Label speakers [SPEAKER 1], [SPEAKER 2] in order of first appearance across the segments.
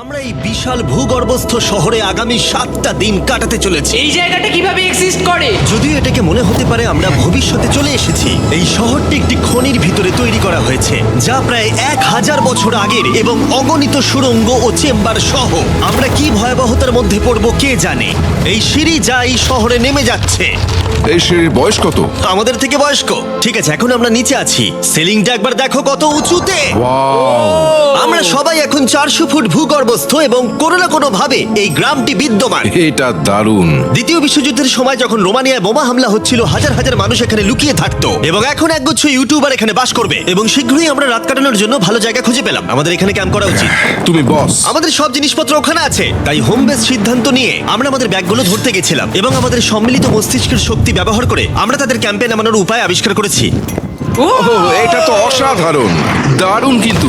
[SPEAKER 1] আমরা এই বিশাল ভূগর্ভস্থ শহরে আগামী 7টা দিন কাটাতে চলেছি।
[SPEAKER 2] এই জায়গাটা কিভাবে এক্সিস্ট করে?
[SPEAKER 1] যদিও এটাকে মনে হতে পারে আমরা ভবিষ্যতে চলে এসেছি, এই শহরটি একটি খনির ভিতরে তৈরি করা হয়েছে যা প্রায় 1000 বছর আগের এবং অগণিত সুড়ঙ্গ ও চেম্বার সহ। আমরা কি ভয়াবহতার মধ্যে পড়ব কে জানে। এই সিঁড়ি যা এই শহরে নেমে যাচ্ছে
[SPEAKER 3] এই সিঁড়ির বয়স কত?
[SPEAKER 1] আমাদের থেকে বয়স্ক। ঠিক আছে, এখন আমরা নিচে আছি। সিলিংটা একবার দেখো কত উঁচুতে। আমরা সবাই এখন 400 ফুট ভূগর্ভস্থ এবং কোনো না কোনো ভাবে এই গ্রামটি বিদ্যমান।
[SPEAKER 3] এটা দারুণ।
[SPEAKER 1] দ্বিতীয় বিশ্বযুদ্ধের সময় যখন রোমানিয়ায় বোমা হামলা হচ্ছিল, হাজার হাজার মানুষ এখানে লুকিয়ে থাকতো এবং এখন একগুচ্ছ ইউটিউবার এখানে বাস করবে। এবং শীঘ্রই আমরা রাত কাটানোর জন্য ভালো জায়গা খুঁজে পেলাম। আমাদের এখানে ক্যাম্প করা উচিত।
[SPEAKER 3] তুমি বস।
[SPEAKER 1] আমাদের সব জিনিসপত্র ওখানে আছে, তাই হোম বেস সিদ্ধান্ত নিয়ে আমরা আমাদের ব্যাগগুলো ধরতে গেছিলাম এবং আমাদের সম্মিলিত মস্তিষ্কের শক্তি ব্যবহার করে আমরা তাদের ক্যাম্পে নামানোর উপায় আবিষ্কার করেছি।
[SPEAKER 3] এটা তো অসাধারণ, দারুণ। কিন্তু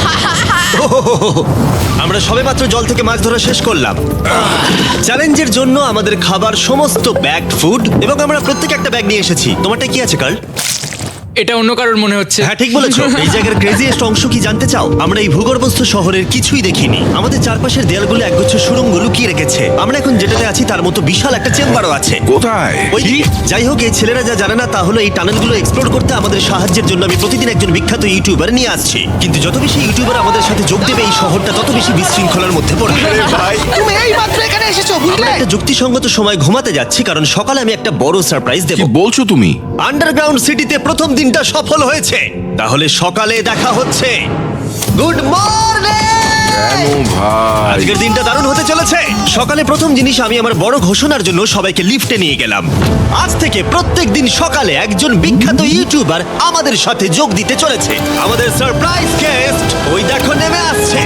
[SPEAKER 1] আমরা সবেমাত্র জল থেকে মাছ ধরা শেষ করলাম। চ্যালেঞ্জের জন্য আমাদের খাবার সমস্ত ব্যাগড ফুড এবং আমরা প্রত্যেক একটা ব্যাগ নিয়ে এসেছি। তোমারটা কি আছে কার্ল?
[SPEAKER 2] এটা অন্য কারোর মনে হচ্ছে।
[SPEAKER 1] হ্যাঁ, ঠিক বলেছো। এই জায়গার ক্রেজিয়েস্ট অংশ কি জানতে চাও? আমরা এই ভূগর্ভস্থ শহরের কিছুই দেখিনি। আমাদের চারপাশের দেয়ালগুলো একগুচ্ছ সুড়ঙ্গ লুকিয়ে রেখেছে। আমরা এখন যেটাতে আছি তার মতো বিশাল একটা চেম্বারও আছে।
[SPEAKER 3] কোথায়?
[SPEAKER 1] ওই যাই হোক, এই ছেলেরা যা জানে না তা হলো এই টানেলগুলো এক্সপ্লোর করতে আমাদের সাহায্যের জন্য আমি প্রতিদিন একজন বিখ্যাত ইউটিউবার নিয়ে আসছি। কিন্তু যত বেশি ইউটিউবার আমাদের সাথে যোগ দেবে এই শহরটা তত বেশি বিশৃঙ্খলার মধ্যে পড়বে। ভাই,
[SPEAKER 4] তুমি এই মাত্র এখানে এসেছো,
[SPEAKER 1] আমরা
[SPEAKER 4] বুঝলে?
[SPEAKER 1] একটা যুক্তিসঙ্গত সময় ঘুমাতে যাচ্ছি কারণ সকালে আমি একটা বড় সারপ্রাইজ দেব।
[SPEAKER 3] কি বলছো তুমি?
[SPEAKER 1] আন্ডারগ্রাউন্ড সিটিতে প্রথম দিনটা সফল হয়েছে। তাহলে সকালে দেখা হচ্ছে। Good morning!
[SPEAKER 3] কেন ভাই?
[SPEAKER 1] আজকের দিনটা দারুণ হতে চলেছে। সকালে প্রথম জিনিস, আমি আমার বড় ঘোষণার জন্য সবাইকে লিফটে নিয়ে গেলাম। আজ থেকে প্রত্যেক দিন সকালে একজন বিখ্যাত ইউটিউবার আমাদের সাথে যোগ দিতে চলেছে। আমাদের সারপ্রাইজ গেস্ট ওই দেখো নেমে আসছে।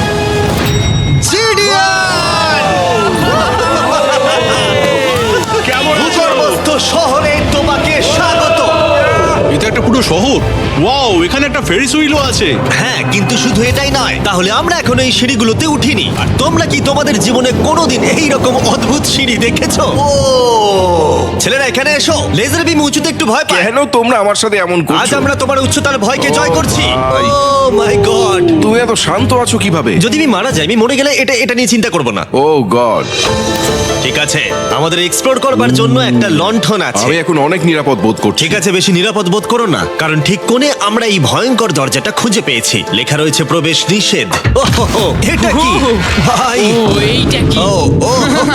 [SPEAKER 1] ভূগর্ভস্থ শহরে তোমাকে স্বাগত।
[SPEAKER 5] এটা একটা পুরো শহর। ওয়াও, এখানে একটা ফেরিস হুইলও আছে।
[SPEAKER 1] হ্যাঁ, কিন্তু শুধু এটাই নয়। তাহলে আমরা এখন এই সিঁড়িগুলোতে উঠিনি। আর তোমরা কি তোমাদের জীবনে কোনোদিন এই রকম অদ্ভুত সিঁড়ি দেখেছো? ও ছেলেরা, এখানে এসো। লেজার বিম উঁচুতে একটু ভয় পায়।
[SPEAKER 3] কেন তোমরা আমার সাথে এমন
[SPEAKER 1] আজ
[SPEAKER 3] করছো?
[SPEAKER 1] আমরা তোমার উচ্চতার ভয়কে জয় করছি।
[SPEAKER 3] ভাই।
[SPEAKER 1] Oh my god!
[SPEAKER 3] তুমি এত শান্ত আছো কিভাবে?
[SPEAKER 1] যদি আমি মারা যাই, আমি মরে গেলে এটা নিয়ে চিন্তা করব না।
[SPEAKER 3] Oh god.
[SPEAKER 1] ঠিক আছে, আমাদের এক্সপ্লোর করবার জন্য একটা লণ্ঠন আছে।
[SPEAKER 3] আমি এখন অনেক নিরাপদ বোধ করছি।
[SPEAKER 1] ঠিক আছে, বেশি নিরাপদ বোধ করো না, কারণ ঠিক কোণে আমরা এই ভয়ঙ্কর দরজাটা খুঁজে পেয়েছি। লেখা রয়েছে প্রবেশ নিষেধ। ওহো, এটা কি ভাই?
[SPEAKER 2] ও এইটা কি?
[SPEAKER 1] ও ও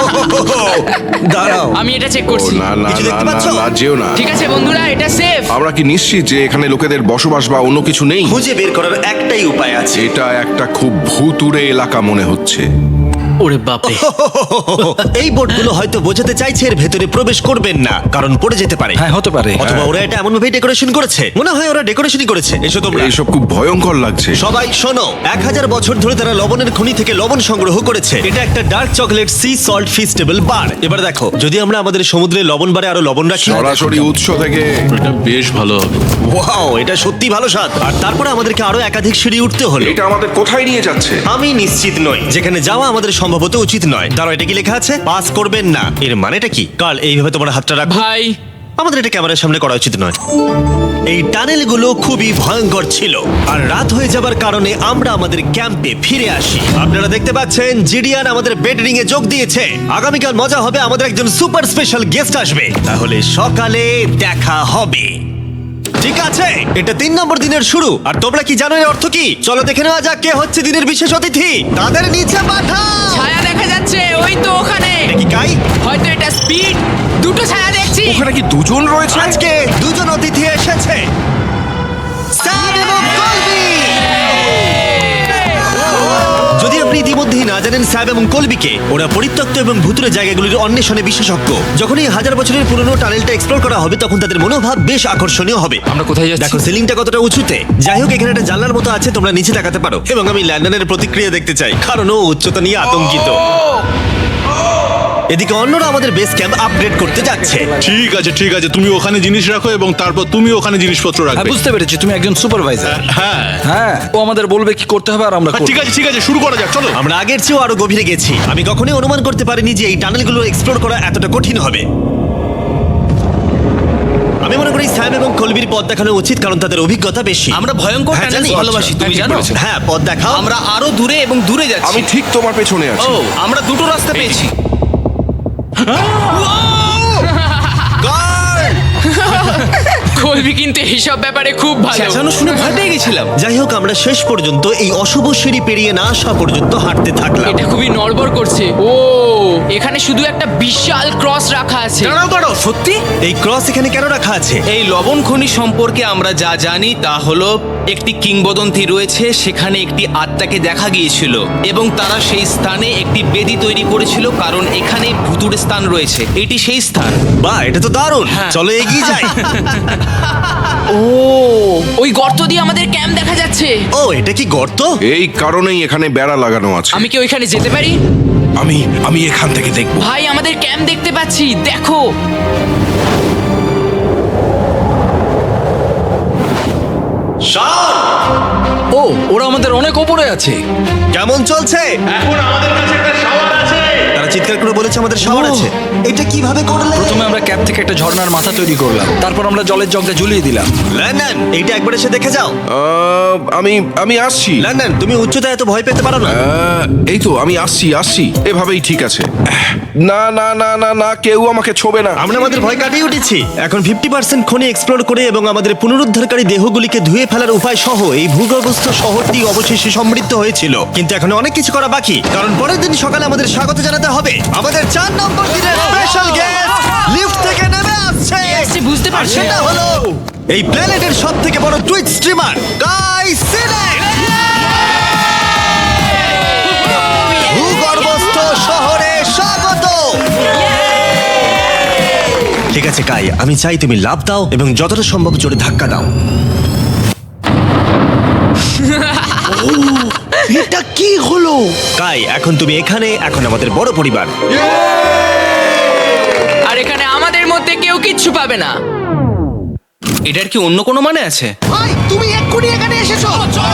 [SPEAKER 1] দাঁড়াও,
[SPEAKER 2] আমি এটা চেক
[SPEAKER 3] ও
[SPEAKER 2] করছি।
[SPEAKER 3] না না
[SPEAKER 1] কিছু
[SPEAKER 3] না
[SPEAKER 1] দেখতে
[SPEAKER 3] না
[SPEAKER 1] পাচ্ছো?
[SPEAKER 3] না, যেও না।
[SPEAKER 2] ঠিক আছে বন্ধুরা, এটা সেফ।
[SPEAKER 3] আমরা কি নিশ্চিত যে এখানে লোকেদের বসবাস বা অন্য কিছু নেই?
[SPEAKER 1] খুঁজে বের করার একটাই উপায় আছে।
[SPEAKER 3] এটা একটা খুব ভুতুড়ে এলাকা মনে হচ্ছে।
[SPEAKER 2] ওরে বাপরে।
[SPEAKER 1] এই বোর্ডগুলো হয়তো বোঝাতে চাইছে এর ভেতরে প্রবেশ করবেন না, কারণ পড়ে যেতে পারে।
[SPEAKER 4] হ্যাঁ, হতে পারে।
[SPEAKER 1] অথবা ওরা এটা এমন ভাবে ডেকোরেশন করেছে, মনে হয় ওরা ডেকোরেশনই করেছে। এসো তোমরা।
[SPEAKER 3] এইসব খুব ভয়ঙ্কর লাগছে।
[SPEAKER 1] সবাই শোনো, 1000 বছর ধরে তারা লবণের খনি থেকে লবণ সংগ্রহ করেছে। এটা একটা dark chocolate sea salt feastable bar. এবার দেখো, যদি আমরা আমাদের সমুদ্রে লবণ বারে আরো লবণ রাখি।
[SPEAKER 3] সরাসরি উৎস থেকে।
[SPEAKER 5] এটা বেশ ভালো হবে।
[SPEAKER 1] ওয়াও, এটা সত্যি ভালো স্বাদ। আর তারপরে আমাদেরকে আরো একাধিক সিঁড়ি উঠতে হলো।
[SPEAKER 3] এটা আমাদের কোথায় নিয়ে যাচ্ছে?
[SPEAKER 1] আমি নিশ্চিত নই। যেখানে যাওয়া আমাদের সম্ভবত উচিত নয়। দাঁড়াও, এটা কি লেখা আছে? পাস করবেন না। এর মানেটা কি? কাল এইভাবে তোমার হাতটা রাখো।
[SPEAKER 2] ভাই,
[SPEAKER 1] আমাদের এটা ক্যামেরার সামনে করা উচিত নয়। এই টানেলগুলো খুবই ভয়ঙ্কর ছিল। আর রাত হয়ে যাবার কারণে আমরা আমাদের ক্যাম্পে ফিরে আসি। আপনারা দেখতে পাচ্ছেন জিডিয়ান আমাদের বেডরিং এ যোগ দিয়েছে। আগামীকাল মজা হবে, আমাদের একজন সুপার স্পেশাল গেস্ট আসবে। তাহলে সকালে দেখা হবে। ঠিক আছে, এটা 3 নম্বর দিনের শুরু। আর তোমরা কি জানো এর অর্থ কি? চলো দেখে নেওয়া যাক কে হচ্ছে দিনের বিশেষ অতিথি। তাদের নিচে পাঠাও।
[SPEAKER 2] ছায়া দেখা যাচ্ছে ওই তো ওখানে।
[SPEAKER 1] এটা কি কাই?
[SPEAKER 2] হয়তো এটা স্পিড। দুটো ছায়া দেখছি।
[SPEAKER 3] ওখানে কি দুজন রয়েছে?
[SPEAKER 1] আজকে দুজন অতিথি এসেছে, স্যাম এবং কলবি। যদি আপনি ইতিমধ্যেই না জানেন স্যাম এবং কলবিকে, ওরা পরিত্যক্ত এবং ভুতুরে জায়গাগুলির অন্বেষণে বিশেষজ্ঞ। যখন এই 1000 বছরের পুরনো টানেলটা এক্সপ্লোর করা হবে, তখন তাদের মনোভাব বেশ আকর্ষণীয় হবে।
[SPEAKER 2] আমরা কোথায় যাচ্ছি?
[SPEAKER 1] দেখো সিলিংটা কতটা উঁচুতে। যাই হোক, এখানে একটা জানলার মতো আছে, তোমরা নিচে তাকাতে পারো। এবং আমি ল্যান্ডনের প্রতিক্রিয়া দেখতে চাই, কারণ ও উচ্চতা নিয়ে আতঙ্কিত। এদিকে অন্যরা আমাদের বেস ক্যাম্প আপগ্রেড করতে যাচ্ছে।
[SPEAKER 5] ঠিক আছে ঠিক আছে, তুমি ওখানে জিনিস রাখো এবং তারপর তুমি ওখানে জিনিসপত্র
[SPEAKER 4] হ্যাঁ,
[SPEAKER 5] রাখবে।
[SPEAKER 4] বুঝতে পেরেছি, তুমি একজন সুপারভাইজার।
[SPEAKER 5] হ্যাঁ
[SPEAKER 4] হ্যাঁ, ও আমাদের বলবে কি করতে হবে আর আমরা করব।
[SPEAKER 5] ঠিক আছে, শুরু করা যাক, চলো।
[SPEAKER 1] আমরা আগের চেয়েও আরো গভীরে গেছি। আমি কখনোই অনুমান করতে পারিনি যে এই টানেলগুলো এক্সপ্লোর করা এতটা কঠিন হবে। আমি মনে করি করি স্যাম এবং কলবির পথ দেখানো উচিত, কারণ তাদের অভিজ্ঞতা বেশি।
[SPEAKER 6] আমরা ভয়ঙ্কর
[SPEAKER 1] হ্যাঁ,
[SPEAKER 6] টানেল
[SPEAKER 1] জানি।
[SPEAKER 6] ভালোবাসি, তুমি জানো?
[SPEAKER 1] হ্যাঁ, পথ দেখাও।
[SPEAKER 6] আমরা আরো দূরে এবং দূরে যাচ্ছি।
[SPEAKER 3] আমি ঠিক তোমার পেছনে আছি।
[SPEAKER 6] ও, আমরা দুটো রাস্তা পেয়েছি।
[SPEAKER 2] কলবি কিন্তু এইসব ব্যাপারে খুব ভালো।
[SPEAKER 6] চেঁচানো শুনে ভয় পেয়ে গেছিলাম।
[SPEAKER 1] যাই হোক, আমরা শেষ পর্যন্ত এই অশুভ সিঁড়ি পেরিয়ে না আসা পর্যন্ত হাঁটতে থাকলাম।
[SPEAKER 2] এটা খুবই নড়বড় করছে। ও, এখানে শুধু একটা বিশাল ক্রস রাখা আছে।
[SPEAKER 6] দাঁড়াও দাঁড়াও, সত্যি?
[SPEAKER 1] এই ক্রস এখানে কেন রাখা আছে?
[SPEAKER 6] এই লবণ খনি সম্পর্কে আমরা যা জানি তা হলো একটি কিংবদন্তি রয়েছে। সেখানে একটি আত্মাকে দেখা গিয়েছিল এবং তারা সেই স্থানে একটি বেদি তৈরি করেছিল, কারণ এখানে ভুতুড়ে স্থান রয়েছে। এটি সেই স্থান।
[SPEAKER 1] বাহ, এটা তো দারুণ। চলো এগিয়ে যাই।
[SPEAKER 2] ও, ওই গর্ত দিয়ে আমাদের ক্যাম্প দেখা যাচ্ছে।
[SPEAKER 1] ও, এটা কি গর্ত?
[SPEAKER 3] এই কারণেই এখানে বেড়া লাগানো আছে।
[SPEAKER 2] আমি কি ওইখানে যেতে পারি?
[SPEAKER 3] আমি এখান থেকে দেখব।
[SPEAKER 2] ভাই, আমাদের ক্যাম্প দেখতে পাচ্ছি, দেখো।
[SPEAKER 4] ও, ওরা আমাদের অনেক ওপরে আছে।
[SPEAKER 1] কেমন চলছে? তারা চিৎকার করে বলেছে আমাদের শাওয়ার আছে। এটা কিভাবে করলে?
[SPEAKER 4] প্রথমে আমরা ক্যাপ থেকে একটা ঝর্ণার মাথা তৈরি করলাম, তারপর আমরা জলের জগটা ঝুলিয়ে দিলাম।
[SPEAKER 1] লন্ডন, এইটা একবার এসে দেখে যাও।
[SPEAKER 3] আমি আসছি।
[SPEAKER 1] লন্ডন, তুমি উচ্চতায় এত ভয় পেতে পারো না।
[SPEAKER 3] এই তো আমি আসছি। এভাবেই ঠিক আছে। না না না না না, কেউ আমাকে ছোবে না।
[SPEAKER 1] আমরা আমাদের ভয় কাটিয়ে উঠেছি। এখন 50% খনি এক্সপ্লোর করে এবং আমাদের পুনরুদ্ধারকারী দেহগুলিকে ধুয়ে ফেলার উপায় সহ এই ভূগর্ভস্থ শহরটি অবশেষে সমৃদ্ধ হয়েছিল। কিন্তু এখন অনেক কিছু করা বাকি, কারণ পরের দিন সকালে আমাদের স্বাগত জানাতে হবে আমাদের 4 নম্বর দিনের স্পেশাল গেস্ট লিফট থেকে নেমে আসছে।
[SPEAKER 2] আসছে, বুঝতে
[SPEAKER 1] আর
[SPEAKER 2] পারছি।
[SPEAKER 1] সেটা হলো এই প্ল্যানেটের সবথেকে বড় টুইট স্ট্রিমার গাই সিলেক্ট। ভূগর্ভস্থ শহরে স্বাগত। ঠিক আছে কাই, আমি চাই তুমি লাফ দাও এবং যতটা সম্ভব জোরে ধাক্কা দাও।
[SPEAKER 4] এটা কি হলো?
[SPEAKER 1] কাই, এখন তুমি এখানে, এখন আমাদের বড় পরিবার।
[SPEAKER 2] আর এখানে আমাদের মধ্যে কেউ কিচ্ছু পাবে না।
[SPEAKER 6] এটার কি অন্য কোনো মানে আছে?
[SPEAKER 4] ভাই, তুমি এক্ষুনি এখানে এসেছো।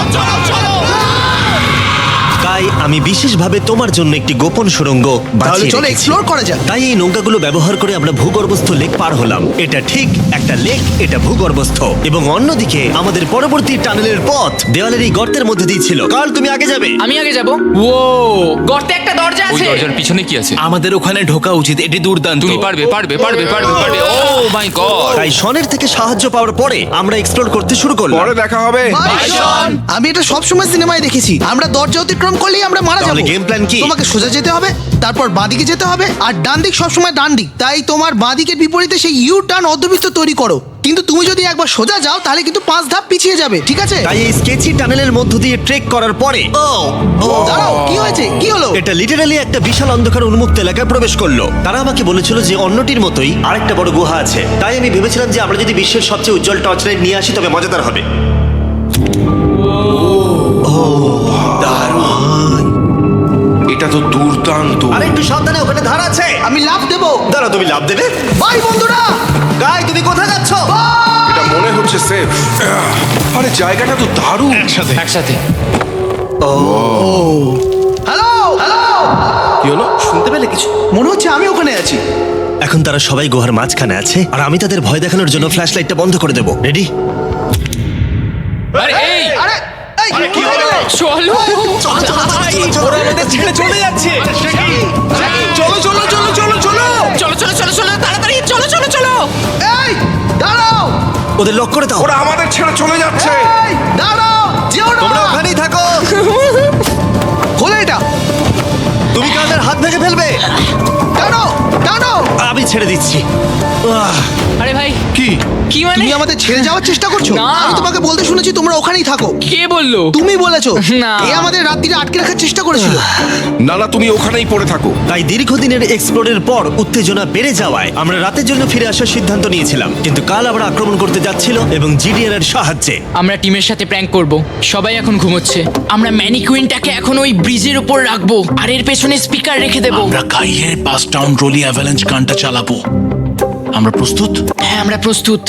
[SPEAKER 1] কাই, আমি বিশেষভাবে তোমার জন্য একটি গোপন সুড়ঙ্গ বাছিয়ে
[SPEAKER 4] চলো
[SPEAKER 1] রেখেছি।
[SPEAKER 4] এক্সপ্লোর করা যাক।
[SPEAKER 1] তাই এই নৌকাগুলো ব্যবহার করে আমরা ভূগর্ভস্থ লেক পার হলাম। এটা ঠিক একটা লেক, এটা ভূগর্ভস্থ, এবং অন্যদিকে আমাদের পরবর্তী টানেলের পথ দেওয়ালের এই গর্তের মধ্যে দিয়ে ছিল। কাল, তুমি আগে যাবে।
[SPEAKER 2] আমি আগে যাব। ও, গর্তে একটা দরজা
[SPEAKER 7] ওই
[SPEAKER 2] আছে।
[SPEAKER 7] দরজার পিছনে কি আছে?
[SPEAKER 6] আমাদের ওখানে ঢোকা উচিত। এটি দুর্দান্ত।
[SPEAKER 7] তুমি পারবে পারবে পারবে পারবে পারবে। Oh my god!
[SPEAKER 1] তাই শনের থেকে সাহায্য পাওয়ার পরে আমরা এক্সপ্লোর করতে শুরু করলাম।
[SPEAKER 3] পরে দেখা হবে।
[SPEAKER 4] আমি এটা সবসময় সিনেমায় দেখেছি। আমরা দরজা অতিক্রম করলেই আমরা মারা
[SPEAKER 1] তাহলে
[SPEAKER 4] যাবো।
[SPEAKER 1] game plan কি?
[SPEAKER 4] তোমাকে সোজা যেতে হবে, তারপর বাঁদিকে যেতে হবে, আর ডান দিক সবসময় ডান দিক। তাই তোমার বাঁদিকের বিপরীতে সেই ইউ টার্ন অর্ধবৃত্ত তৈরি করো। কিন্তু তুমি যদি একবার সোজা যাও তাহলে কিন্তু 5 ধাপ পিছিয়ে যাবে, ঠিক আছে?
[SPEAKER 1] তাই এই স্কেচি টানেলের মধ্য দিয়ে ট্রেক করার পরে
[SPEAKER 4] দাঁড়াও, কি হয়েছে? কি হলো?
[SPEAKER 1] এটা লিটারালি একটা বিশাল অন্ধকার উন্মুক্ত এলাকায় প্রবেশ করলো। তারা আমাকে বলেছিল যে অন্যটির মতোই আরেকটা বড় গুহা আছে। তাই আমি ভেবেছিলাম যে আমরা যদি বিশ্বের সবচেয়ে উজ্জ্বল টর্চ লাইট নিয়ে আসি তবে মজাদার হবে।
[SPEAKER 3] এটা তো দুর্দান্ত।
[SPEAKER 1] আরে একটু সাবধানে, ওখানে ধার আছে।
[SPEAKER 4] আমি লাফ দেবো।
[SPEAKER 1] দাঁড়াও, তুমি লাভ দেবে?
[SPEAKER 4] বাই বন্ধুরা।
[SPEAKER 1] গাই, তুমি কোথায় যাচ্ছ?
[SPEAKER 3] এটা মনে হচ্ছে সেফ। আরে জায়গাটা তো দারুণ।
[SPEAKER 7] একসাথে।
[SPEAKER 4] হ্যালো হ্যালো,
[SPEAKER 3] কি হলো?
[SPEAKER 6] শুনতে পেলে কিছু?
[SPEAKER 4] মনে হচ্ছে আমি ওখানে আছি।
[SPEAKER 1] এখন তারা সবাই গুহার মাঝখানে আছে, আর আমি তাদের ভয় দেখানোর জন্য ফ্ল্যাশ লাইটটা বন্ধ করে দেবো। রেডি?
[SPEAKER 7] আরে এই
[SPEAKER 4] আরে এই,
[SPEAKER 3] কি হলো?
[SPEAKER 2] চলো।
[SPEAKER 6] ওরা আমাদের ছেড়ে চলে যাচ্ছে।
[SPEAKER 3] চলো চলো চলো চলো চলো।
[SPEAKER 2] চলো চলো চলো চলো, তাড়াতাড়ি চলো চলো চলো।
[SPEAKER 4] এই দাঁড়াও,
[SPEAKER 1] ওদের লক করে দাও।
[SPEAKER 3] ওরা আমাদের ছেড়ে চলে যাচ্ছে।
[SPEAKER 4] এই দাঁড়াও, যেও না।
[SPEAKER 1] তোমরা ওখানেই থাকো।
[SPEAKER 4] খোলো এটা।
[SPEAKER 1] তুমি কাদের হাত ভেঙে ফেলবে।
[SPEAKER 4] টানো টানো।
[SPEAKER 1] আমি ছেড়ে দিচ্ছি।
[SPEAKER 2] আরে ভাই,
[SPEAKER 3] কি?
[SPEAKER 2] কি মানে?
[SPEAKER 4] তুমি আমাদের ছেড়ে যাওয়ার চেষ্টা করছো?
[SPEAKER 2] না।
[SPEAKER 4] আমি তোমাকে বলতে শুনেছি তোমরা ওখানেই থাকো।
[SPEAKER 2] কে বললো?
[SPEAKER 4] তুমি বলেছো।
[SPEAKER 2] না।
[SPEAKER 4] এ আমাদের রাত্রিরে আটকে রাখার চেষ্টা করেছিল।
[SPEAKER 3] না না, তুমি ওখানেই পড়ে থাকো।
[SPEAKER 1] তাই দীর্ঘদিনের এক্সপ্লোরের পর উত্তেজনা বেড়ে যাওয়ায় আমরা রাতের জন্য ফিরে আসার সিদ্ধান্ত নিয়েছিলাম। কিন্তু কাল আবার আক্রমণ করতে যাচ্ছিল এবং জিডিআর এর সাহায্যে।
[SPEAKER 2] আমরা টিমের সাথে প্র্যাঙ্ক করব। সবাই এখন ঘুমোচ্ছে। আমরা ম্যানিকুইনটাকে এখন ওই ব্রিজের উপর রাখবো আর এর পেছনে স্পিকার রেখে দেবো।
[SPEAKER 5] আমরা কাইয়ের পাস টাউন রোলি অ্যাভালাঞ্চ গানটা চালাবো। আমরা প্রস্তুত?
[SPEAKER 2] হ্যাঁ, আমরা প্রস্তুত।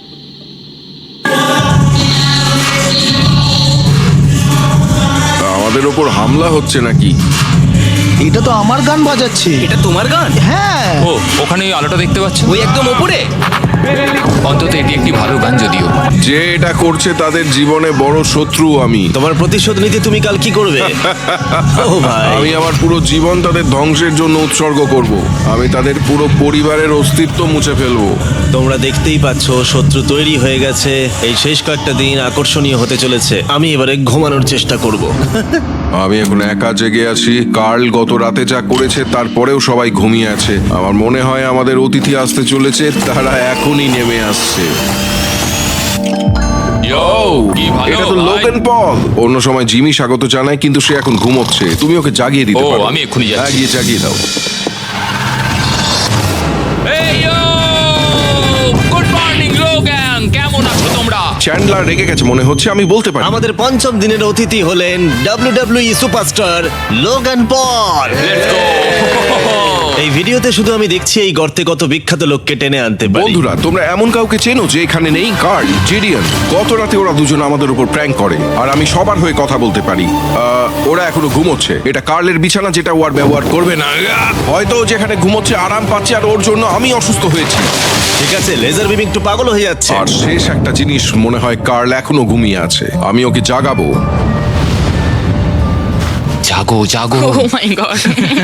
[SPEAKER 3] আমাদের ওপর হামলা হচ্ছে নাকি?
[SPEAKER 4] এটা তো আমার গান বাজাচ্ছে।
[SPEAKER 6] এটা তোমার গান?
[SPEAKER 4] হ্যাঁ।
[SPEAKER 7] ও, ওখানে ওই আলোটা দেখতে পাচ্ছ?
[SPEAKER 6] ওই একদম ওপরে?
[SPEAKER 7] অন্তত এটি একটি ভালো গান যদিও।
[SPEAKER 3] যে এটা করছে তাদের জীবনে বড় শত্রু আমি।
[SPEAKER 1] তোমার প্রতিশোধ নিতে তুমি কাল কি করবে? ও ভাই,
[SPEAKER 3] আমি আমার পুরো জীবন তাদের ধ্বংসের জন্য উৎসর্গ করব। আমি তাদের পুরো পরিবারের অস্তিত্ব মুছে ফেলবো।
[SPEAKER 1] তোমরা দেখতেই পাচ্ছ শত্রু তৈরি হয়ে গেছে। এই শেষ কয়েকটা দিন আকর্ষণীয় হতে চলেছে। আমি এবারে ঘুমানোর চেষ্টা করব।
[SPEAKER 3] আমি এখন একা জেগে আছি। কার্ল গত রাতে যা করেছে তারপরেও সবাই ঘুমিয়ে আছে। আমার মনে হয় আমাদের অতিথি আসতে চলেছে, তারা এখনই নেমে আসছে।
[SPEAKER 7] ইয়ো, কি ভালো
[SPEAKER 3] এটা তো
[SPEAKER 7] ভাই।
[SPEAKER 3] Logan Paul. অন্য সময় জিমি স্বাগত জানায়, কিন্তু সে এখন ঘুমোচ্ছে। তুমি ওকে জাগিয়ে দিতে
[SPEAKER 7] ও,
[SPEAKER 3] পারো।
[SPEAKER 7] আমি এক্ষুনি যাচ্ছি।
[SPEAKER 3] হ্যাঁ, গিয়ে জাগিয়ে দাও।
[SPEAKER 7] এই ইয়ো! গুড মর্নিং লোগান, কেমন আছো তোমরা?
[SPEAKER 3] চ্যান্ডলার রেগে গেছে মনে হচ্ছে, আমি বলতে পারি।
[SPEAKER 1] আমাদের পঞ্চম দিনের অতিথি হলেন WWE superstar Logan Paul.
[SPEAKER 7] Let's go!
[SPEAKER 1] এই ভিডিওতে শুধু আমি দেখছি এই গর্তে কত বিখ্যাত লোককে টেনে আনতে পারি।
[SPEAKER 3] বন্ধুরা, তোমরা এমন কাউকে চেনো যে এখানে নেই? Karl, Jidion. গত রাতে ওরা দুজন আমাদের উপর প্র্যাঙ্ক করে, আর আমি সবার হয়ে কথা বলতে পারি। ওরা এখনো ঘুমোচ্ছে। এটা কার্লের বিছানা, যেটা ও আর ব্যবহার করবে না। হয়তো ও যেখানে ঘুমোচ্ছে আরাম পাচ্ছে, আর ওর জন্য আমি অসুস্থ হয়েছি।
[SPEAKER 1] ঠিক আছে, লেজার বিম একটু পাগল হয়ে যাচ্ছে।
[SPEAKER 3] আর শেষ একটা জিনিস, মনে হয় কার্ল এখনো ঘুমিয়ে আছে। আমি ওকে জাগাবো।
[SPEAKER 7] জাগো জাগো।
[SPEAKER 2] ও মাই গড!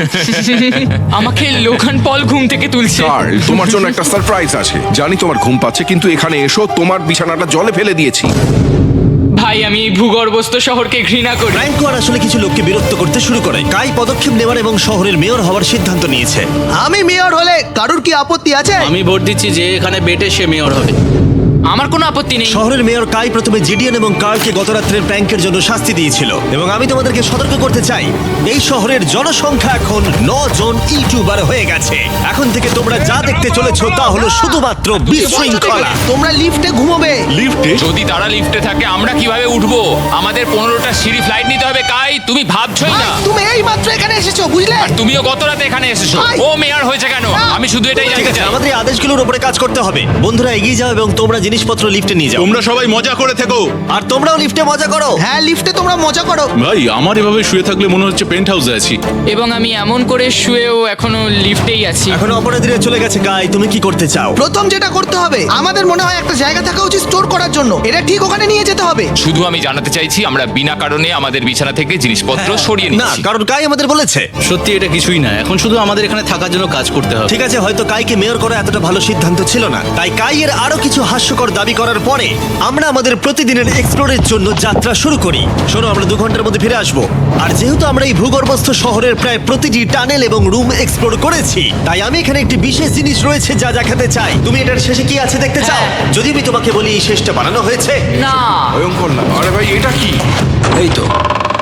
[SPEAKER 2] আমাকে লোগান পল ঘুম থেকে তুলছে।
[SPEAKER 3] কার্ল, তোমার জন্য একটা সারপ্রাইজ আছে। জানি তোমার ঘুম পাচ্ছে, কিন্তু এখানে এসো, তোমার বিছানাটা জলে ফেলে দিয়েছি।
[SPEAKER 2] ভাই, আমি এই ভূগর্ভস্থ শহরকে ঘৃণা করি।
[SPEAKER 1] ফ্র্যাঙ্কো আর আসলে কিছু লোককে বিরক্ত করতে শুরু করে। কাই পদক্ষেপ নেওয়ার এবং শহরের মেয়র হওয়ার সিদ্ধান্ত নিয়েছে।
[SPEAKER 4] আমি মেয়র হলে কারুর কি আপত্তি আছে?
[SPEAKER 8] আমি ভোট দিচ্ছি যে এখানে বেটে সে মেয়র হবে।
[SPEAKER 2] আমার কোনো আপত্তি নেই।
[SPEAKER 1] শহরের মেয়র কাই প্রথমে জিডিয়ান এবং কার্লকে গত রাত্রের প্র্যাঙ্কের জন্য শাস্তি দিয়েছিল, এবং আমি তোমাদেরকে সতর্ক করতে চাই, এই শহরের জনসংখ্যা এখন 9 জন ইউটিউবার হয়ে গেছে। এখন থেকে তোমরা যা দেখতে চলেছো তা হলো শুধুমাত্র বিশৃঙ্খলা।
[SPEAKER 4] তোমরা লিফটে ঘুমোবে।
[SPEAKER 7] যদি তারা লিফটে থাকে আমরা কিভাবে উঠবো? আমাদের 15টা সিঁড়ি ফ্লাইট নিতে হবে। কাই, তুমি ভাবছোই
[SPEAKER 4] ভাই,
[SPEAKER 7] না।
[SPEAKER 4] তুমি এই মাত্র এখানে এসেছো, বুঝলে?
[SPEAKER 7] আর তুমিও গত রাতে এখানে এসেছো।
[SPEAKER 4] ভাই!
[SPEAKER 7] ও মেয়র হয়েছে কেন?
[SPEAKER 4] না।
[SPEAKER 7] আমি শুধু এটাই
[SPEAKER 1] ঠিক
[SPEAKER 7] জানতে
[SPEAKER 1] আছে,
[SPEAKER 7] চাই।
[SPEAKER 1] আমাদের এই আদেশগুলোর উপরে কাজ করতে হবে। বন্ধুরা, এগিয়ে যাও এবং তোমরা জিনিসপত্র লিফটে নিয়ে যাও।
[SPEAKER 9] তোমরা সবাই মজা করে থেকো।
[SPEAKER 1] আর তোমরাও লিফটে মজা করো।
[SPEAKER 4] হ্যাঁ, লিফটে তোমরা মজা করো।
[SPEAKER 9] ভাই, আমার এভাবে শুয়ে থাকলে মনে হচ্ছে পেন্ট হাউসে আছি।
[SPEAKER 2] এবং আমি এমন করে শুয়েও এখনো লিফটেই আছি।
[SPEAKER 1] এখন অপরাধীরা চলে গেছে। কাই, তুমি কি করতে চাও?
[SPEAKER 4] প্রথম যেটা করতে হবে, আমাদের মনে হয় একটা জায়গা থাকা উচিত স্টোর করার জন্য। এটা ঠিক ওখানে নিয়ে যেতে হবে।
[SPEAKER 7] শুধু আমি জানাতে চাইছি আমরা বিনা কারণে আমাদের বিছানা থেকে জিনিসপত্র সরিয়ে
[SPEAKER 1] না,
[SPEAKER 7] নিচ্ছি।
[SPEAKER 1] কারণ কাই আমাদের বলেছে।
[SPEAKER 8] সত্যি এটা কিছুই না, এখন শুধু আমাদের এখানে থাকার জন্য কাজ করতে হবে।
[SPEAKER 1] ঠিক আছে, হয়তো কাইকে মেয়র করা এতটা ভালো সিদ্ধান্ত ছিল না। তাই কাইয়ের আরো কিছু হাস্যকর দাবি করার পরে আমরা আমাদের প্রতিদিনের এক্সপ্লোরের জন্য যাত্রা শুরু করি। শোনো, আমরা 2 ঘন্টার মধ্যে ফিরে আসবো। আর যেহেতু আমরা এই ভূগর্ভস্থ শহরের প্রায় প্রতিটি টানেল এবং রুম এক্সপ্লোর করেছি, তাই আমি এখানে একটি বিশেষ জিনিস রয়েছে যা দেখাতে চাই। তুমি এটার শেষে কি আছে দেখতে চাও? যদি আমি তোমাকে বলি এই শেষটা বানানো হয়েছে।
[SPEAKER 2] না,
[SPEAKER 3] ভয়ঙ্কর না? আরে ভাই, এটা কি?
[SPEAKER 8] এই তো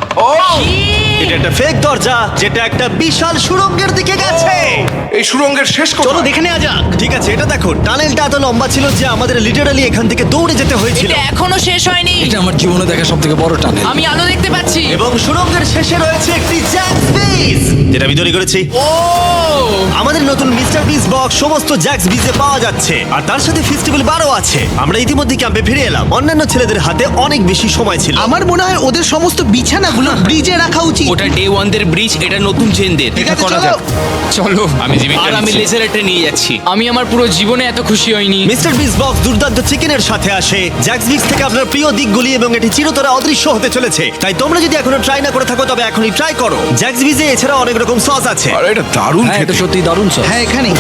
[SPEAKER 1] এটা একটা ফেক দরজা যেটা একটা বিশাল সুড়ঙ্গের দিকে গেছে।
[SPEAKER 3] এই সুড়ঙ্গের শেষ
[SPEAKER 1] চলো
[SPEAKER 3] কোথায়?
[SPEAKER 1] দেখে নেওয়া যাক। ঠিক আছে, এটা দেখো, টানেলটা এত লম্বা ছিল যে আমাদের লিটারালি এখান থেকে দৌড়ে যেতে হয়েছিল।
[SPEAKER 2] এটা এখনো শেষ হয়নি।
[SPEAKER 8] আমার জীবনে দেখা সব থেকে বড় টানেল।
[SPEAKER 2] আমি আলো দেখতে পাচ্ছি।
[SPEAKER 1] এবং সুড়ঙ্গের শেষে রয়েছে একটি জ্যাক্স বিজ, যেটা আমি তৈরি করেছি।
[SPEAKER 2] ও,
[SPEAKER 1] আমাদের নতুন মিস্টার বিজ বক্স সমস্ত জ্যাক্স বিজে পাওয়া যাচ্ছে, আর তার সাথে ফেস্টিভ্যাল বারও আছে। আমরা ইতিমধ্যে ক্যাম্পে ফিরে এলাম। অন্যান্য ছেলেদের হাতে অনেক বেশি সময় ছিল।
[SPEAKER 4] আমার মনে হয় ওদের সমস্ত বিছানাগুলো ব্রিজে রাখা উচিত।
[SPEAKER 6] ওটা ডে 1 দের ব্রিজ, এটা নতুন চেনদের।
[SPEAKER 4] ঠিক
[SPEAKER 6] এটা
[SPEAKER 4] আছে,
[SPEAKER 6] করা
[SPEAKER 4] চলো।
[SPEAKER 6] যাক।
[SPEAKER 2] চলো।
[SPEAKER 7] আমি জীবিকা
[SPEAKER 6] আর আমি
[SPEAKER 7] নিচ্ছি।
[SPEAKER 6] লেজারটা নিয়ে যাচ্ছি।
[SPEAKER 2] আমি আমার পুরো জীবনে এত খুশি হইনি।
[SPEAKER 1] মিস্টার বিজ বক্স দুর্দান্ত চিকেনের সাথে আসে, জ্যাক্স বিজ থেকে আপনার প্রিয় দিকগুলি, এবং এটি চিরতরে অদৃশ্য হতে চলেছে। তাই তোমরা যদি এখনো ট্রাই না করে থাকো তবে এখনই ট্রাই করো। জ্যাক্স বিজে এছাড়া অনেক রকম সস আছে।
[SPEAKER 3] আরে এটা দারুণ খেতে।
[SPEAKER 8] সত্যি দারুণ সব।
[SPEAKER 4] হ্যাঁ, এখানে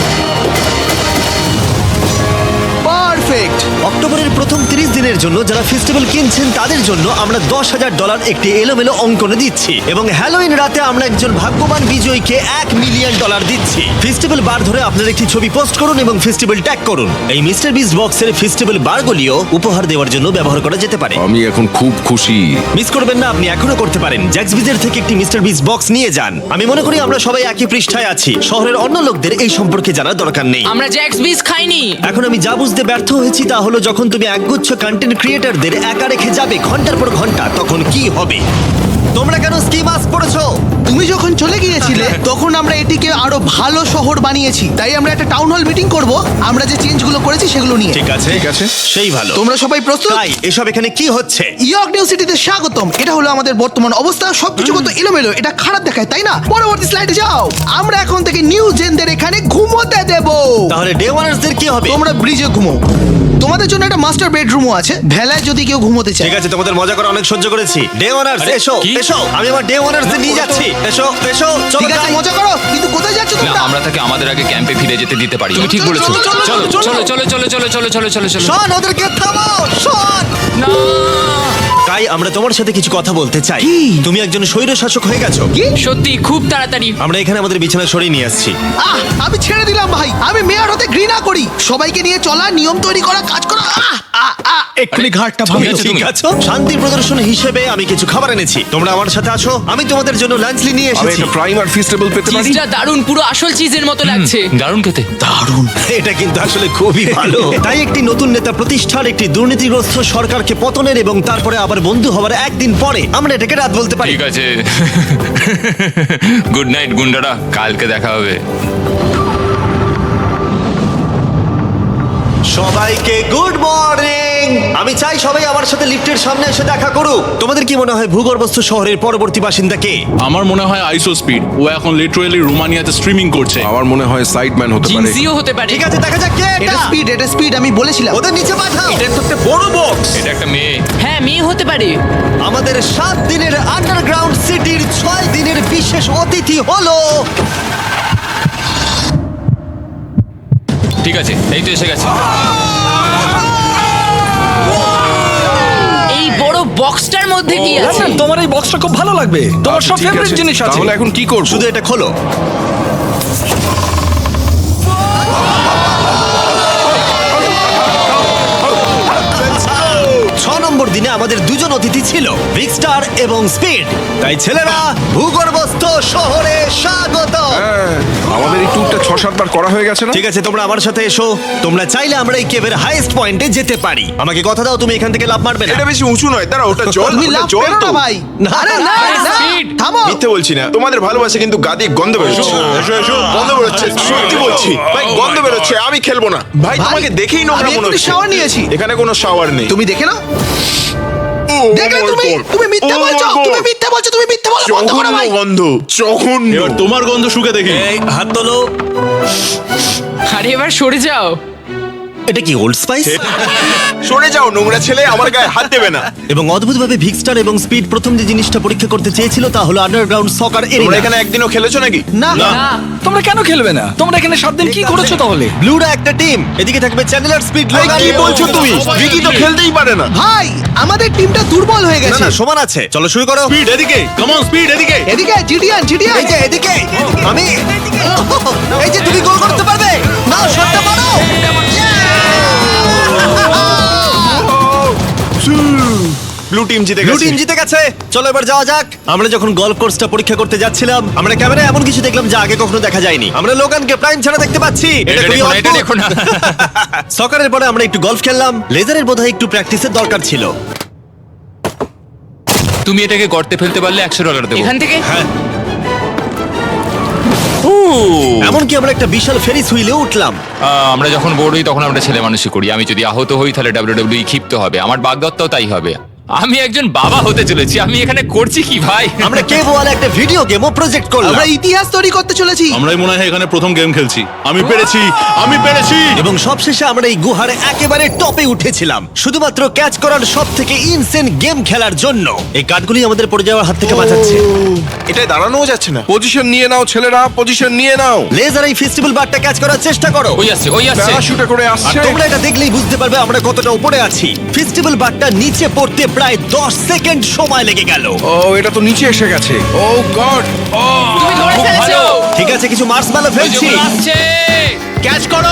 [SPEAKER 4] পারফেক্ট।
[SPEAKER 1] অক্টোবরের প্রথম 30 দিনের জন্য যারা ফেস্টিভ্যাল কিনছেন তাদের জন্য আমরা $10,000 একটি এলোমেলো অঙ্কনে দিচ্ছি, এবং হ্যালোইন রাতে আমরা একজন ভাগ্যবান বিজয়ীকে $1 মিলিয়ন দিচ্ছি। ফেস্টিভ্যাল বার ধরে আপনার একটি ছবি পোস্ট করুন এবং ফেস্টিভ্যাল ট্যাগ করুন। এই মিস্টার বিস বক্সের ফেস্টিভ্যাল বারগুলিও উপহার দেওয়ার জন্য ব্যবহার করা যেতে পারে।
[SPEAKER 3] আমি এখন খুব খুশি।
[SPEAKER 1] মিস করবেন না, আপনি এখনো করতে পারেন। জ্যাক্স বিজের থেকে একটি মিস্টার বিস বক্স নিয়ে যান। আমি মনে করি আমরা সবাই একই পৃষ্ঠায় আছি। শহরের অন্য লোকদের এই সম্পর্কে জানার দরকার নেই।
[SPEAKER 2] আমরা জ্যাক্স বিজ খাইনি।
[SPEAKER 1] এখন আমি যা বুঝতে ব্যর্থ হয়েছি তা হলো, যখন তুমি একগুচ্ছ কন্টেন্ট ক্রিয়েটরদের একা রেখে যাবে ঘন্টার পর ঘন্টা, তখন কি হবে। তোমরা তোমরা কেন স্কি মাস্ক পরেছো?
[SPEAKER 4] তুমি যখন চলে গিয়েছিলে তখন আমরা এটিকে আরো ভালো শহর বানিয়েছি, তাই আমরা একটা টাউন হল মিটিং করব আমরা যে চেঞ্জগুলো করেছি সেগুলো নিয়ে।
[SPEAKER 1] ঠিক আছে,
[SPEAKER 3] ঠিক আছে।
[SPEAKER 1] সেই ভালো।
[SPEAKER 4] তোমরা সবাই প্রস্তুত?
[SPEAKER 1] তাই এসব এখানে কি হচ্ছে?
[SPEAKER 4] ইয়র্ক নিউ সিটিতে স্বাগতম। এটা হলো আমাদের বর্তমান অবস্থা। সবকিছু কত এলোমেলো, এটা খারাপ দেখায় তাই না? পরবর্তী স্লাইডে যাও। আমরা এখন থেকে নিউ জেনদের এখানে ঘুমোতে দেব।
[SPEAKER 1] তাহলে ডে ওয়ানার্সদের কি হবে?
[SPEAKER 4] তোমরা ব্রিজে ঘুমো। তোমাদের জন্য একটা মাস্টার বেডরুমও আছে, ভেলায় যদি কেউ ঘুমোতে চায়।
[SPEAKER 1] ঠিক আছে, তোমাদের মজা করে অনেক সহ্য করেছি। ডে ওয়ানার্স
[SPEAKER 7] আরে,
[SPEAKER 1] এসো,
[SPEAKER 7] কি?
[SPEAKER 1] এসো, আমি আমার ডে ওয়ানার্সদের নিয়ে যাচ্ছি। এসো, এসো, চলো
[SPEAKER 4] ঠিক আছে,
[SPEAKER 1] যাই।
[SPEAKER 4] মজা করো, কিন্তু কোথায় যাচ্ছ
[SPEAKER 7] না,
[SPEAKER 4] তোমরা?
[SPEAKER 7] আমরা তাকে আমাদের আগে ক্যাম্পে ফিরে যেতে দিতে পারি। তুমি ঠিক
[SPEAKER 4] চলো,
[SPEAKER 7] বলেছো।
[SPEAKER 4] চলো, চলো,
[SPEAKER 7] চলো
[SPEAKER 4] চলো,
[SPEAKER 7] চলো চলো চলো চলো চলো চলো চলো চলো।
[SPEAKER 1] শোন, ওদেরকে থামাও, শোন।
[SPEAKER 7] না,
[SPEAKER 1] তাই আমরা তোমার সাথে কিছু কথা বলতে চাই।
[SPEAKER 4] কি?
[SPEAKER 1] তুমি একজন স্বৈর শাসক হয়ে গেছো।
[SPEAKER 2] সত্যি খুব তাড়াতাড়ি।
[SPEAKER 1] আমরা এখানে আমাদের বিছানা সরিয়ে নিয়ে আসছি।
[SPEAKER 4] আমি ছেড়ে দিলাম ভাই। আমি মেয়র হতে ঘৃণা করি। সবাইকে নিয়ে চলা, নিয়ম তৈরি করা, কাজ করা।
[SPEAKER 5] এক্ষুনি ঘাটটা
[SPEAKER 1] তুমি ঠিক আছো? শান্তি প্রদর্শন হিসেবে আমি কিছু খাবার এনেছি। তোমরা আমার সাথে আছো, আমি তোমাদের জন্য লাঞ্চ নিয়ে
[SPEAKER 3] আমি
[SPEAKER 1] এসেছি।
[SPEAKER 3] একটা প্রাইম আর ফিস্টেবল পেতে পারি?
[SPEAKER 2] চিজটা দারুণ, পুরো আসল চিজের মতো লাগছে।
[SPEAKER 7] দারুণ খেতে।
[SPEAKER 1] এটা কিন্তু আসলে খুবই ভালো। তাই একটি নতুন নেতা প্রতিষ্ঠার, একটি দুর্নীতিগ্রস্ত সরকারকে পতনের এবং তারপরে আবার বন্ধু হওয়ার একদিন পরে আমরা এটাকে রাত বলতে পারি।
[SPEAKER 7] ঠিক আছে। গুড নাইট গুন্ডারা, কালকে দেখা হবে।
[SPEAKER 1] সবাইকে গুড মর্নিং। আমি চাই সবাই আমার সাথে লিফটের সামনে এসে দেখা করুক। তোমাদের কি মনে হয় ভূগর্ভস্থ শহরের পরবর্তী বাসিন্দা কে?
[SPEAKER 9] আমার মনে হয় আইসো স্পিড, ও এখন লিটারালি রোমানিয়াতে স্ট্রিমিং করছে।
[SPEAKER 3] আমার মনে হয় সাইডম্যান হতে পারে।
[SPEAKER 2] জিনজিও হতে পারে।
[SPEAKER 1] ঠিক আছে, দেখা যাক কে
[SPEAKER 4] এটা
[SPEAKER 1] এটা।
[SPEAKER 4] স্পিড, আমি বলেছিলাম।
[SPEAKER 1] ওদের নিচে পাঠাও।
[SPEAKER 6] এটা তো একটা বড় বক্স।
[SPEAKER 7] এটা একটা মেয়ে।
[SPEAKER 2] হ্যাঁ, মেয়ে হতে পারে।
[SPEAKER 1] আমাদের 7 দিনের আন্ডারগ্রাউন্ড সিটির 6 দিনের বিশেষ অতিথি হলো
[SPEAKER 7] ঠিক আছে, এই তো এসে গেছে।
[SPEAKER 2] এই বড় বক্সটার মধ্যে কি আছে?
[SPEAKER 10] তোমার এই বক্সটা খুব ভালো লাগবে, তোমার
[SPEAKER 3] আচ্ছা,
[SPEAKER 10] সব
[SPEAKER 3] ঠিক
[SPEAKER 10] ফেভারিট
[SPEAKER 3] আছে।
[SPEAKER 10] জিনিস আছে।
[SPEAKER 3] তাহলে এখন কি করব?
[SPEAKER 1] শুধু এটা খোলো। নম্বর দিনে আমাদের দুজন অতিথি ছিল, বিগ স্টার এবং স্পিড। তাই ছেলেরা, ভূগর্ভস্থ শহরে স্বাগত।
[SPEAKER 3] হ্যাঁ, আমাদের এই ট্যুরটা 6-7 বার করা হয়ে গেছে না?
[SPEAKER 1] ঠিক আছে, তোমরা আমার সাথে এসো। তোমরা চাইলে আমরা এই কেভের হাইয়েস্ট পয়েন্টে যেতে পারি। আমাকে কথা দাও, তুমি এখান থেকে লাফ মারবে না।
[SPEAKER 11] এটা বেশি উঁচু নয়, দাঁড়া, ওটা জল,
[SPEAKER 4] তুমি
[SPEAKER 11] ওটা
[SPEAKER 4] লাভ
[SPEAKER 11] জল
[SPEAKER 4] করো
[SPEAKER 11] তো।
[SPEAKER 4] না ভাই। আরে না,
[SPEAKER 2] আরে,
[SPEAKER 4] না,
[SPEAKER 2] speed।
[SPEAKER 4] থামো।
[SPEAKER 11] মিথ্যে বলছি না, তোমাদের ভালোবাসে কিন্তু গাদি গন্ধ বেরোচ্ছে। গন্ধ বেরোচ্ছে, সত্যি বলছি ভাই, গন্ধ বেরোচ্ছে। আমি খেলবো না ভাই,
[SPEAKER 4] ভাই,
[SPEAKER 11] তোমাকে দেখেই নোংরা
[SPEAKER 4] আমি
[SPEAKER 11] মনে
[SPEAKER 4] এক্ষুনি
[SPEAKER 11] হচ্ছে।
[SPEAKER 4] shower নিয়েছি।
[SPEAKER 11] এখানে কোনো শাওয়ার নেই।
[SPEAKER 4] তুমি দেখে নাও।
[SPEAKER 11] ও,
[SPEAKER 4] দেখলে
[SPEAKER 11] my
[SPEAKER 4] তুমি
[SPEAKER 11] God!
[SPEAKER 4] তুমি মিথ্যা
[SPEAKER 11] Oh my
[SPEAKER 4] বলছো,
[SPEAKER 11] God!
[SPEAKER 4] তুমি মিথ্যা বলছো, তুমি মিথ্যা বলো, বন্ধ করো
[SPEAKER 11] জঘন্য
[SPEAKER 4] ভাই।
[SPEAKER 11] গন্ধ, জঘন্য।
[SPEAKER 9] এবার তোমার গন্ধ শুকে দেখি।
[SPEAKER 1] এই হাত তোলো।
[SPEAKER 2] আরে এবার সরে যাও।
[SPEAKER 1] এটা কি ওল্ড স্পাইস?
[SPEAKER 11] সরে যাও নোংরা ছেলে, আমার গায়ে হাত দেবে না।
[SPEAKER 1] এবং অদ্ভুতভাবে বিগ স্টার এবং স্পিড প্রথম যে জিনিসটা পরীক্ষা করতে চেয়েছিল তা হলো আন্ডারগ্রাউন্ড সকার
[SPEAKER 11] তোমরা
[SPEAKER 1] এরিয়া।
[SPEAKER 11] এখানে একদিনও খেলেছো নাকি?
[SPEAKER 4] না
[SPEAKER 2] না,
[SPEAKER 10] তোমরা কেন খেলবে না? তোমরা এখানে 7 দিন কি করেছো তাহলে?
[SPEAKER 1] ব্লুরা একটা টিম, এদিকে থাকবে চ্যানেলার, স্পিড,
[SPEAKER 11] ভাই,
[SPEAKER 1] লোগান।
[SPEAKER 11] কি বলছো তুমি? ভিকি তো খেলতেই পারে না।
[SPEAKER 4] ভাই, আমাদের টিমটা দুর্বল হয়ে
[SPEAKER 1] না
[SPEAKER 4] গেছে।
[SPEAKER 1] না, সমান আছে। চলো শুরু করো।
[SPEAKER 9] স্পিড এদিকে, কাম অন স্পিড এদিকে।
[SPEAKER 4] এদিকে জিডিয়ান,
[SPEAKER 1] এই যে এদিকে, আমি এই যে তুমি গোল করতে পারবে না, শটটা মারো।
[SPEAKER 11] ব্লু টিম জিতে
[SPEAKER 1] ব্লু
[SPEAKER 11] গেছে।
[SPEAKER 1] টিম জিতে গেছে। চলো এবার যাওয়া যাক। আমরা যখন গলফ কোর্সটা পরীক্ষা করতে যাচ্ছিলাম, আমরা ক্যামেরায় এমন কিছু দেখলাম যা আগে কখনো দেখা যায়নি। আমরা লোগানকে প্রাইম ছাড়া দেখতে পাচ্ছি।
[SPEAKER 7] এটা
[SPEAKER 1] খুবই
[SPEAKER 7] দেখো না, এটা
[SPEAKER 1] অদ্ভুত।
[SPEAKER 7] দেখো না।
[SPEAKER 1] সকারের পরে আমরা একটু গলফ খেললাম। লেজারের বোধহয় একটু প্র্যাকটিসের দরকার ছিল।
[SPEAKER 7] তুমি এটাকে গর্তে ফেলতে পারলে $100 দেবো।
[SPEAKER 2] এখান থেকে
[SPEAKER 1] এমনকি আমরা একটা বিশাল ফেরিস হুইলে উঠলাম।
[SPEAKER 7] আমরা যখন বোর হই তখন আমরা ছেলে মানুষই করি। আমি যদি আহত হই তাহলে WWE ক্ষিপ্ত হবে। আমার বাগদত্তাও তাই হবে। আমি একজন বাবা হতে চলেছি। আমি এখানে করছি কি ভাই?
[SPEAKER 1] আমরা কেভ ওয়ালে একটা ভিডিও গেমও প্রজেক্ট করলাম।
[SPEAKER 4] আমরা ইতিহাস তৈরি করতে চলেছি।
[SPEAKER 9] আমরাই মনে হয় এখানে প্রথম গেম খেলছি। আমি পেরেছি, আমি পেরেছি।
[SPEAKER 1] এবং সবশেষে আমরা এই গুহার একেবারে টপে উঠেছিলাম শুধুমাত্র ক্যাচ করার সব থেকে ইনসেন গেম খেলার জন্য। এই কাঠগুলি আমাদের পড়ে যাওয়ার হাত থেকে বাঁচাচ্ছে।
[SPEAKER 11] এটাই দাঁড়ানোও যাচ্ছে না।
[SPEAKER 3] পজিশন নিয়ে নাও ছেলেরা, পজিশন নিয়ে নাও।
[SPEAKER 1] লেজার এই ফেস্টিভ্যাল বারটা ক্যাচ করার চেষ্টা করো।
[SPEAKER 7] ওই আসছে, ওই আসছে।
[SPEAKER 3] প্যারাশুটে করে
[SPEAKER 1] আর
[SPEAKER 3] আসছে।
[SPEAKER 1] তোমরা এটা দেখলেই বুঝতে পারবে আমরা কতটা উপরে আছি। ফেস্টিভ্যাল বারটা নিচে পড়তে প্রায় 10 সেকেন্ড সময় লেগে গেল।
[SPEAKER 3] ও, এটা তো নিচে এসে গেছে। Oh god.
[SPEAKER 2] তুমি ধরে
[SPEAKER 7] খুব
[SPEAKER 2] ফেলেছো।
[SPEAKER 7] ভালো।
[SPEAKER 1] ঠিক আছে, কিছু মার্সম্যালো
[SPEAKER 7] ওই যে
[SPEAKER 1] ফেলছি।
[SPEAKER 7] ওগুলো আসছে।
[SPEAKER 1] ক্যাচ করো।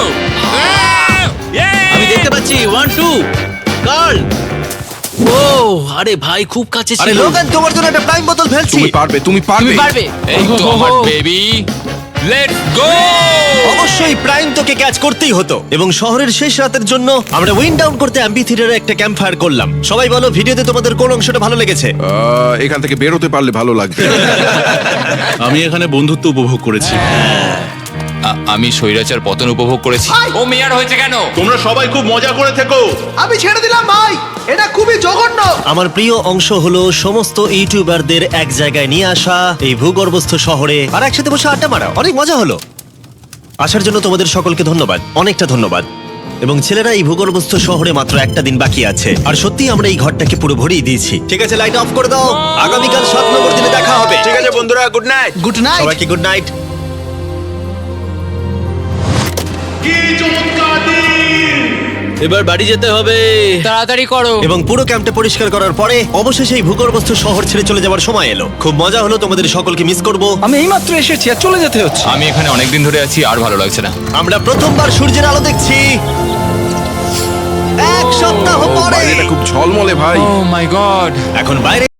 [SPEAKER 8] আমি দেখতে পাচ্ছি 1 2 গার্ল। ও আরে ভাই, খুব কাছে
[SPEAKER 1] আরে
[SPEAKER 8] ছিল।
[SPEAKER 1] লোগান, তোমার জন্য একটা প্রাইম বোতল ফেলছি।
[SPEAKER 3] তুমি পারবে, তুমি পারবে।
[SPEAKER 2] তুমি পারবে।
[SPEAKER 7] এই তো আমার বেবি। Let's go!
[SPEAKER 1] অবশ্যই প্রাইম তোকে ক্যাচ করতেই হতো এবং শহরের শেষ রাতের জন্য আমরা উইন্ড ডাউন করতে অ্যাম্পি থিয়েটারে একটা ক্যাম্প ফায়ার করলাম। সবাই বলো ভিডিওতে তোমাদের কোন অংশটা ভালো লেগেছে?
[SPEAKER 3] এখান থেকে বেরোতে পারলে ভালো লাগবে।
[SPEAKER 9] আমি এখানে বন্ধুত্ব উপভোগ করেছি।
[SPEAKER 7] আমি স্বৈরাচার পতন উপভোগ করেছি। ও মেয়ার হয়েছে কেন?
[SPEAKER 9] তোমরা সবাই খুব মজা করে থেকো।
[SPEAKER 4] আমি ছেড়ে দিলাম ভাই, এটা খুবই জঘন্য।
[SPEAKER 1] আমার প্রিয় অংশ হলো সমস্ত ইউটিউবারদের এক জায়গায় নিয়ে আসা এই ভূগর্ভস্থ শহরে আর একসাথে বসে আড্ডা মারা। অনেক মজা হলো। আসার জন্য তোমাদের সকলকে ধন্যবাদ, অনেকটা ধন্যবাদ। এবং ছেলেরা, এই ভূগর্ভস্থ শহরে মাত্র একটা দিন বাকি আছে আর সত্যি আমরা এই ঘরটাকে পুরো ভরিয়ে দিয়েছি। ঠিক আছে, লাইট অফ করে দাও। আগামীকাল 7 নম্বর দিনে দেখা হবে।
[SPEAKER 11] ঠিক আছে বন্ধুরা, গুড নাইট।
[SPEAKER 4] Good night.
[SPEAKER 1] সবাইকে গুড নাইট।
[SPEAKER 8] এবার বাড়ি যেতে হবে।
[SPEAKER 2] তাড়াতাড়ি করো।
[SPEAKER 1] এবং পুরো ক্যাম্পটা পরিষ্কার করার পরে অবশেষে এই ভূগর্ভস্থ শহর ছেড়ে চলে যাওয়ার সময় এলো। খুব মজা হলো, তোমাদের সকলকে মিস করব।
[SPEAKER 10] আমি এইমাত্র এসেছি আর চলে যেতে হচ্ছে।
[SPEAKER 7] আমি এখানে অনেকদিন ধরে আছি আর ভালো লাগছে না।
[SPEAKER 1] আমরা প্রথমবার সূর্যের আলো দেখছি 1 সপ্তাহ পরে।
[SPEAKER 3] বাইরেটা খুব ঝলমলে ভাই।
[SPEAKER 7] Oh my god!
[SPEAKER 1] এখন বাইরে